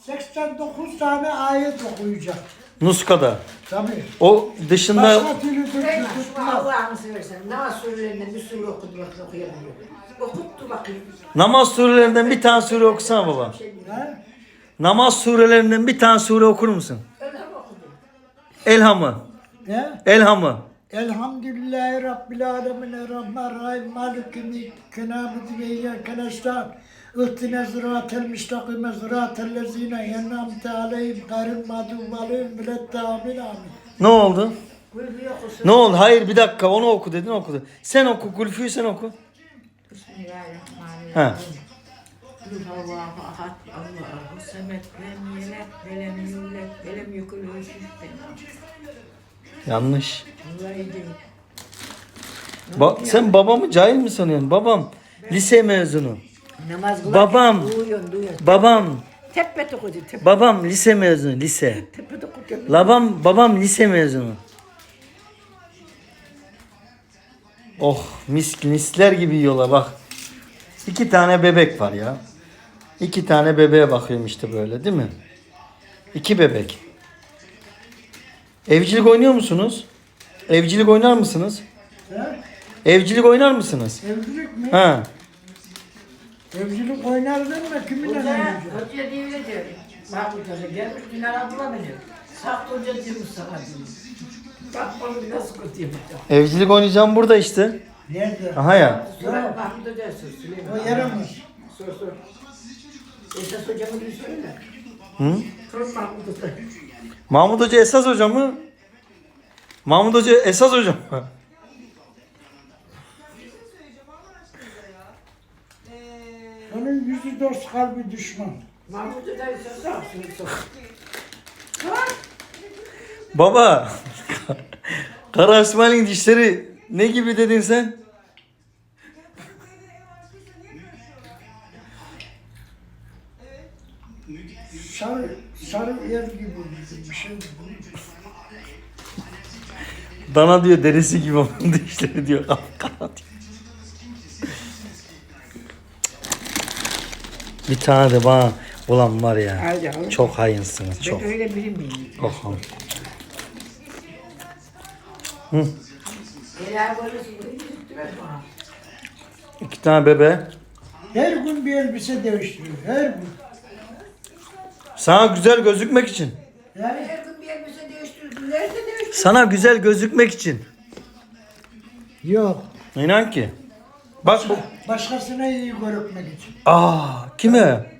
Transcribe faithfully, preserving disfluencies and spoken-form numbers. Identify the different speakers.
Speaker 1: seksen dokuz tane ayet okuyacak.
Speaker 2: Nuskada.
Speaker 1: Tabii.
Speaker 2: O dışında
Speaker 1: Başka türlü
Speaker 3: Ben
Speaker 1: türlü
Speaker 3: şu Allah'ını seversen namaz surelerinden bir sure okudu bak okuyamıyorum. Okuttu bakayım.
Speaker 2: namaz surelerinden bir tane sure okusana baba.
Speaker 1: He?
Speaker 2: Namaz surelerinden bir tane sure okur musun?
Speaker 3: Öyle mi okudum?
Speaker 2: Elhamı.
Speaker 1: He?
Speaker 2: Elhamı.
Speaker 1: Elhamdülillahi Rabbil Alemin Errahmanirrahim Maliki Kenabidi ve İyyâke nestaîn İhdina sıratel müstakime sıratel lezîne en'amte aleyhim gayril mağdûbi aleyhim veleddâmin amin.
Speaker 2: Ne oldu?
Speaker 3: Gülbü okusun.
Speaker 2: Ne oldu? Hayır bir dakika onu oku dedin okudu. Sen oku Gülfü'yü sen oku.
Speaker 3: Bismillahirrahmanirrahim. Kul Allahu ahad, Allahu semed, lem yeled, ve lem yulad, ve lem yekul lehu kufuven ahad.
Speaker 2: Yanlış.
Speaker 3: Vallahi değil.
Speaker 2: Ba sen babamı cahil mi sanıyorsun? Babam lise mezunu.
Speaker 3: Namaz kılar.
Speaker 2: Babam.
Speaker 3: Duyuyorsun, duyuyorsun.
Speaker 2: Babam.
Speaker 3: Tepet okudu, tepet.
Speaker 2: Babam lise mezunu lise.
Speaker 3: Tepet okudu.
Speaker 2: Babam babam lise mezunu. Oh mis misler gibi yiyorlar bak. İki tane bebek var ya. İki tane bebeğe bakıyorum işte böyle değil mi? İki bebek. Evcilik oynuyor musunuz? Evcilik oynar mısınız?
Speaker 1: He?
Speaker 2: Evcilik oynar mısınız?
Speaker 1: Evcilik mi?
Speaker 2: Ha.
Speaker 1: Evcilik oynar deme kiminle
Speaker 3: Hoca,
Speaker 1: oynayacak?
Speaker 3: hoca diyor öyle diyor. Mahmut Hoca gelmiş Dinar abla beni. Sakt hoca diyormuş sana diyor. Bak bakalım nasıl kötüymüş.
Speaker 2: Evcilik oynayacağım burada işte.
Speaker 1: Nerede?
Speaker 2: Aha ya.
Speaker 3: Sonra Mahmut Hoca sor Süleyman.
Speaker 1: O yaramaz.
Speaker 3: Sor sor. Esas hocamı bir söyle.
Speaker 2: Hı?
Speaker 3: Sor Mahmut Hoca.
Speaker 2: Mahmut Hoca esas hoca mı? Mahmut Hoca esas hoca mı?
Speaker 1: Onun yüzü dost kalbi düşman.
Speaker 3: Mahmut Hoca esas sor. Sor sor.
Speaker 2: Baba. Kara İsmail'in dişleri ne gibi dedin sen?
Speaker 1: Sarı, sarı yer gibi bir şey.
Speaker 2: Dana diyor derisi gibi onun dişleri diyor. Kara diyor. Bir tane de bana ulan var ya.
Speaker 3: Hadi yavrum.
Speaker 2: Çok hayınsınız çok.
Speaker 3: Ben öyle biri miyim?
Speaker 2: Çok hayın.
Speaker 3: Helal böylesi burayı tuttular bana.
Speaker 2: İki tane bebe.
Speaker 1: Her gün bir elbise değiştiriyor. Her gün.
Speaker 2: Sana güzel gözükmek için.
Speaker 1: Yani
Speaker 3: Her gün bir elbise değiştirdin. Nerede değiştirdin?
Speaker 2: Sana güzel gözükmek için.
Speaker 1: yok.
Speaker 2: İnan ki. Bak bu.
Speaker 1: Başkasına iyi görükmek için.
Speaker 2: Aa kime?